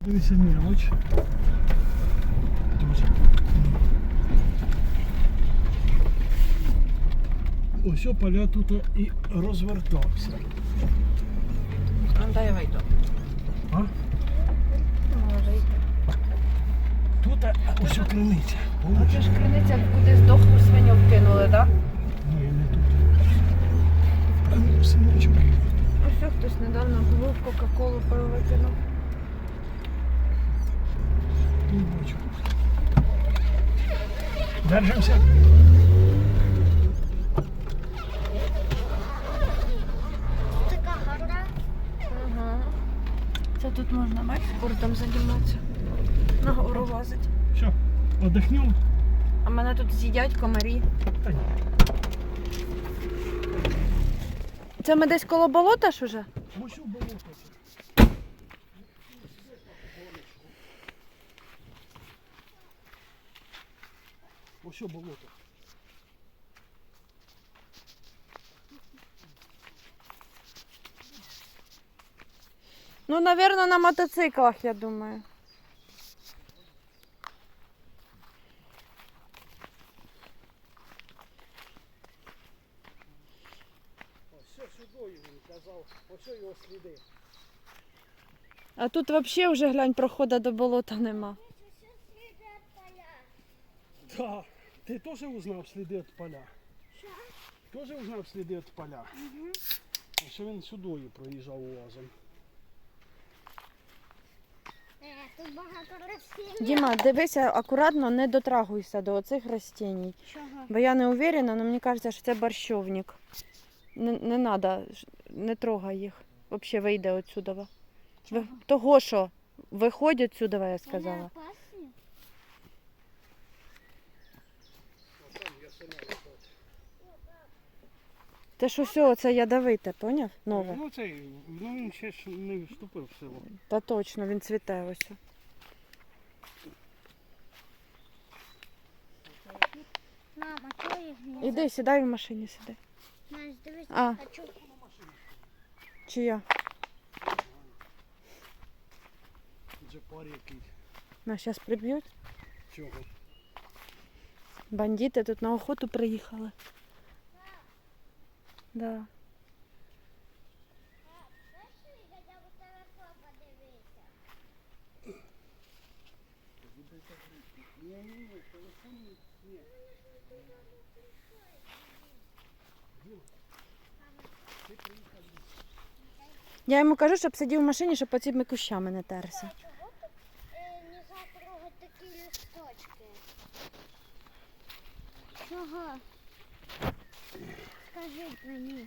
Дивіться, мелоч. Дуже. Ось поля тут і розвертався. Дай я вийду. А? Може йти. Тут ось криниця. А це ж криниця, куди здохлу свиню вкинули, так? Ні, не тут. А ну, синочок. Ось що хтось недавно було Кока-Колу пив викинув. Не бачу. Держимося. Така гора. Ага. Це тут можна бачиш, спортом займатися. На гору лазить. Все, отдохнем. А мене тут з'їдять комарі. Та ні. Це ми десь коло болота ж уже? Ось у болото. Ось у болото. Ну, напевно, на мотоциклах, я думаю. Ось сюди він казав, ось його сліди. А тут взагалі вже, глянь, проходу до болота нема. Да. Ти теж узнав сліди від поля? Що? Теж узнав сліди від поля? Угу. Ось він сюди проїжджав уазом. Тут багато рослин. Діма, дивися, акуратно не дотрагуйся до оцих растінь. Чого? Бо я не уверена, але мені кажеться, що це борщовник. Не треба, не трогай їх. Взагалі вийде отсюда. Чого? Того, що виходять сюди, я Вони сказала. опасні? Те, що все, це ядовите, поняв? Нове. Ну цей, ну він ще ж не вступив в силу. Та точно, він цвіте ось. Мама, чого їх не Іди, сідай в машині, сідай. Знаєш, дивись, А. хочу. Чи я? Джепар який. Нас зараз приб'ють. Чого? Бандити тут на охоту приїхали. Да. Ні, телефон ні. Я йому кажу, щоб сидів в машині, щоб по цими кущами не терся. Чого тут не затрогати такі листочки? Чого? Скажіть мені.